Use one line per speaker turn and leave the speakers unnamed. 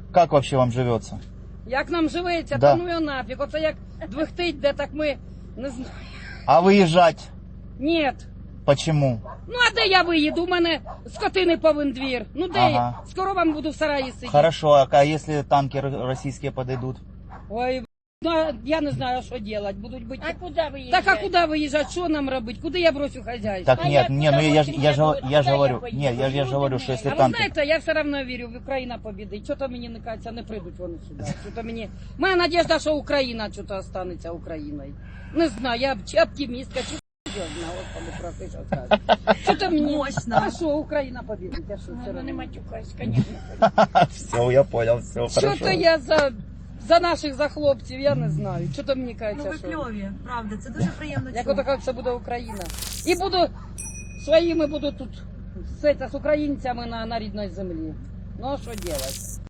Как вообще вам живется?
Як нам живеться,
Да.
то ну його нафіг. Оце як двихтить, де так ми не знаю.
А выезжать
Ні.
почему?
Ну а де я виїду? У мене скотини повен двір. Ну де
Ага.
я? Скоро вам буду в сараї сидіти.
Хорошо, а если танки российские подойдут?
Ой, ну, я не знаю, що робити. Будуть бити.
А куда выезжать?
Так а куди виїжджати? Що нам робити? Куди я бросю хазяйство?
Так
А
нет,
я
не, ну
куда
я
очень
же
хотела,
я
куда
говорю,
я поеду?
не, я же говорю, что
А
если
А ви
танки...
знаєте, я все одно вірю, в Україна побідить. Чого то мені не кажеться, не прийдуть вони сюди. Що-то мені... Моя надіжда, що Україна що-то останеться Україною. Не знаю, я чи оптимістка, чи серйозна, Господи, проси, що скажу. Що-то мені...
Мощно.
А що, Україна побідить, а що все
Ну, не
одно?
матюкайся, конечно.
Все, я понял, все, хорошо.
Що-то я за наших, за хлопців, я не знаю. Що-то мені
Ну
кажеться,
ви
що...
кльові, правда, це дуже приємно
Як
чути.
ото як це буде Україна. І буду своїми буду тут з українцями на рідній землі. Ну а що робити?